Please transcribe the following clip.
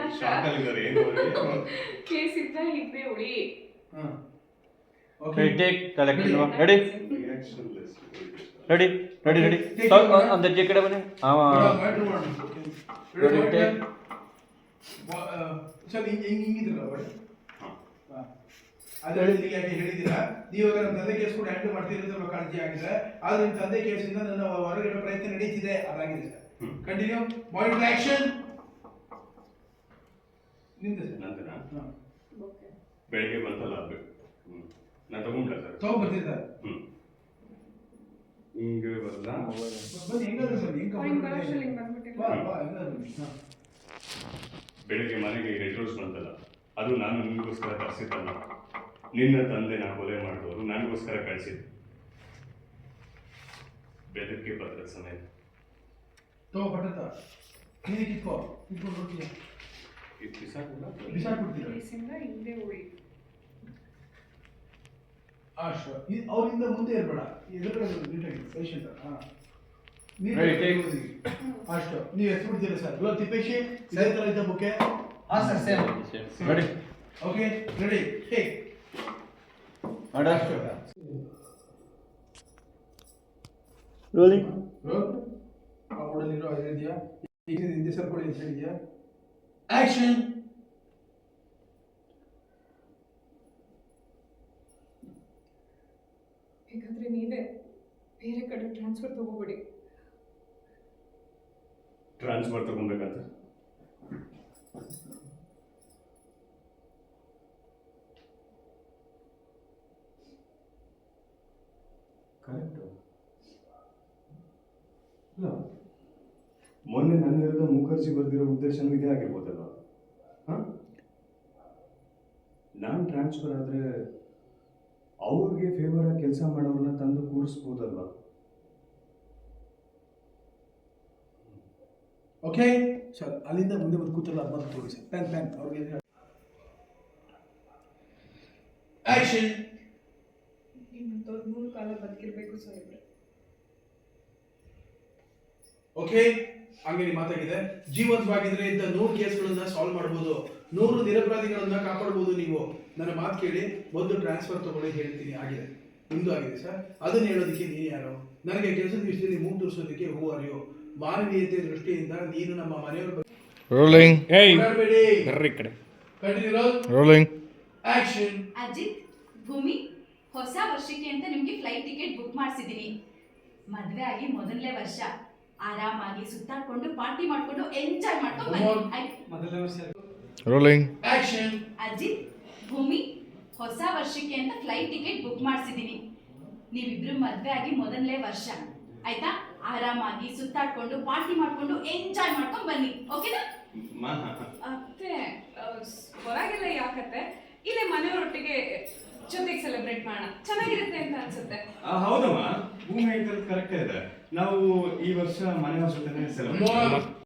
ಶಾಕಲ್ಲಿದ್ದಾರೆ ಏನು ಕೇಸ್ ಇದ್ದ ಹಿಂದೆ ಉಳಿ. Okay, take collection. Ready? ರಿಯಾಕ್ಷನ್ಲೆಸ್ Ready? अंदर जे कड़े बने Ready, take. ಸರ್ ಹಿಂಗಿದ್ರಲ್ಲ ಒಳ್ಳೆ ಅದು ಹೇಳಿದ್ದೀರಾ ನೀವು ನನ್ನ ತಂದೆ ಕೇಸ್ ಕೂಡ ಹ್ಯಾಂಡಲ್ ಮಾಡ್ತಿರೋದ್ರ ಕಾಳಜಿ ಆಗಿದೆ ಆದ್ರೆ ನಿಮ್ಮ ತಂದೆ ಕೇಸಿಂದ ನನ್ನ ಹೊರಗಿಡೋ ಪ್ರಯತ್ನ ನಡೀತಿದೆ ಅದಾಗಿದೆ ಸರ್ ಕಂಟಿನ್ಯೂ ಮಾನಿಟರ್ ಆಕ್ಷನ್ ನಿಂದ ಸರ್ ನಂದನ ಬೆಳಿಗ್ಗೆ ಬಂತಲ್ಲ ನಾನು ತಗೊಂಡ್ಬಿಟ್ಟ ಸರ್ ತಗೊಂಡ್ಬರ್ತೀನಿ ಸರ್ ಹಿಂಗೆ ಬರಲ್ಲ ಬನ್ನಿ ಹೆಂಗಾದ್ರು ಬನ್ನಿ ಬೆಳಿಗ್ಗೆ ಮನೆಗೆ ರೆಡ್ ರೋಸ್ ಬಂತಲ್ಲ ಅದು ನಾನು ನಿಮಗೋಸ್ಕರ ತರಿಸಿದ್ದಲ್ಲ ನಿನ್ನ ತಂದೆ ನಾ ಕೊಲೆ ಮಾಡಿದವರು ನನಗೋಸ್ಕರ ಕಳಿಸಿದ್ದು ಬೆದರಿಕೆ ಪತ್ರದ ಸಮಯ ತಗೋಪಟ್ಟ ನೀನು ಕಿತ್ಕೊಂಡು ನೋಡ್ತೀಯ ಇದು ಬಿಸಾಕ್ಬಿಡ್ತೀರ ಕೇಸಿಂದ ಹಿಂದೆ ಉಳಿ. ಅವರಿಂದ ಮುಂದೆ ಇರಬೇಡ ಎದುರುಗಡೆ ನೀಟಾಗಿ ಪೇಷಂಟ್ ಅಷ್ಟು ನೀವು ಎಷ್ಟು ಬಿಡ್ತೀರಾ ಸರ್ ಗುಲಾಬ್ ತಿಪ್ಪೇಶಿ ಇದೇ ಥರ ಇದ್ದ ಬುಕ್ಕೆ ಹಾಂ sir same. Ready? Okay ready take Order. ಅಷ್ಟು Rolling. ರೋಲ್ ಆ ಓಡಲಿರೋ ಅದು ಇದೆಯಾ ಈಗ ಹಿಂದೆ ಸರ್ಕೊಳ್ಳಿ ಅಂತ ಹೇಳಿದ್ಯಾ ಆಕ್ಷನ್ ಬೇಕಾದ್ರೆ ನೀವೇ ಬೇರೆ ಕಡೆ ಟ್ರಾನ್ಸ್ಫರ್ ತಗೋಬಿಡಿ. ಟ್ರಾನ್ಸ್ಫರ್ ತಗೊಬೇಕಂತ ಕರೆಕ್ಟ್ ಇಲ್ಲ ಮೊನ್ನೆ ನನ್ನ ವಿರುದ್ಧ ಮುಖರ್ಜಿ ಬರೆದಿರೋ ಉದ್ದೇಶನೂ ಇದೇ ಆಗಿರ್ಬೋದಲ್ಲ ಹಾಂ ನಾನು ಟ್ರಾನ್ಸ್ಫರ್ ಆದರೆ ಅವ್ರಿಗೆ ಫೇವರ್ ಆಗಿ ಕೆಲಸ ಮಾಡೋರನ್ನ ತಂದು ಕೂರಿಸ್ಬೋದಲ್ಲ ಓಕೆ ಸರ್ ಅಲ್ಲಿಂದ ಮುಂದೆ ಬಂದು ಕೂತಲ್ಲ ಬಂದು ತೋರಿ ಸರ್ ಪ್ಯಾನ್ ಅವ್ರಿಗೆ ಆಕ್ಷನ್ ಇನ್ನೊಂದು 3 ಕಾಲ ಬದುಕಿರ್ಬೇಕು ಸಾಹೇಬ್ರೆ. ಓಕೆ ಹಂಗೆ ಮಾತಾಗಿದೆ ಜೀವಂತವಾಗಿದ್ರೆ ಇಂಥ 100 ಕೇಸ್ಗಳನ್ನ ಸಾಲ್ವ್ ಮಾಡ್ಬೋದು 100 ನಿರಪರಾಧಿಗಳನ್ನ ಕಾಪಾಡ್ಬೋದು ನೀವು ನನ್ನ ಮಾತು ಕೇಳಿ ಒಂದು ಟ್ರಾನ್ಸ್ಫರ್ ತಗೊಳ್ಳಿ ಹೇಳ್ತೀನಿ ಆಗಿದೆ ನಿಮ್ದು ಆಗಿದೆ ಸರ್ ಅದನ್ನ ಹೇಳೋದಕ್ಕೆ ನೀನು ಯಾರು ನನಗೆ ಕೆಲಸದ ವಿಷಯದಲ್ಲಿ ಮೂಗು ತೋರಿಸೋದಕ್ಕೆ ಹೂ ಅರಿಯೋ ಮಾನವೀಯತೆ ದೃಷ್ಟಿಯಿಂದ ನೀನು ನಮ್ಮ ಮನೆಯವರು Rolling. Hey. ಬರ್ರಿ ಕಡೆ ಕಂಟಿನ್ಯೂ Rolling. ಆಕ್ಷನ್ ಅಜಿತ್ ಭೂಮಿ ಹೊಸ ವರ್ಷಕ್ಕೆ ಅಂತ ನಿಮ್ಗೆ ಫ್ಲೈಟ್ ಟಿಕೆಟ್ ಬುಕ್ ಮಾಡಿಸಿದೀನಿ. ಮದುವೆ ಆಗಿ ಮೊದಲನೇ ವರ್ಷ ಆರಾಮಾಗಿ ಸುತ್ತಾಡ್ಕೊಂಡು ಪಾರ್ಟಿ ಮಾಡ್ಕೊಂಡು ಎಂಜಾಯ್ ಮಾಡ್ಕೊಂಡು ಬನ್ನಿ. Rolling. ಆಕ್ಷನ್ ಅಜಿತ್ ಭೂಮಿ ಹೊಸ ವರ್ಷಕ್ಕೆ ಅಂತ ಫ್ಲೈಟ್ ಟಿಕೆಟ್ ಬುಕ್ ಮಾಡಿಸಿದೀನಿ. ನೀವಿಬ್ರು ಮದುವೆ ಆಗಿ ಮೊದಲನೇ ವರ್ಷ ಆಯ್ತಾ ಆರಾಮಾಗಿ ಸುತ್ತಾಡ್ಕೊಂಡು ಪಾರ್ಟಿ ಮಾಡ್ಕೊಂಡು ಎಂಜಾಯ್ ಮಾಡ್ಕೊಂಡು ಬನ್ನಿ ಓಕೆನಾ? ಅತ್ತೆ ಹೊರಗೆಲ್ಲ ಯಾಕತ್ತೆ ಇಲ್ಲೇ ಮನೆಯವರೊಟ್ಟಿಗೆ ಜೊತೆಗೆ ಸೆಲೆಬ್ರೇಟ್ ಮಾಡೋಣ ಚೆನ್ನಾಗಿರುತ್ತೆ ಅಂತ ಅನ್ಸುತ್ತೆ. ಹೌದಮ್ಮ ಭೂಮಿ ಕರೆಕ್ಟ್ ಇದೆ ನಾವು ಈ ವರ್ಷ ಮನೆಯವ್ರ ಜೊತೆ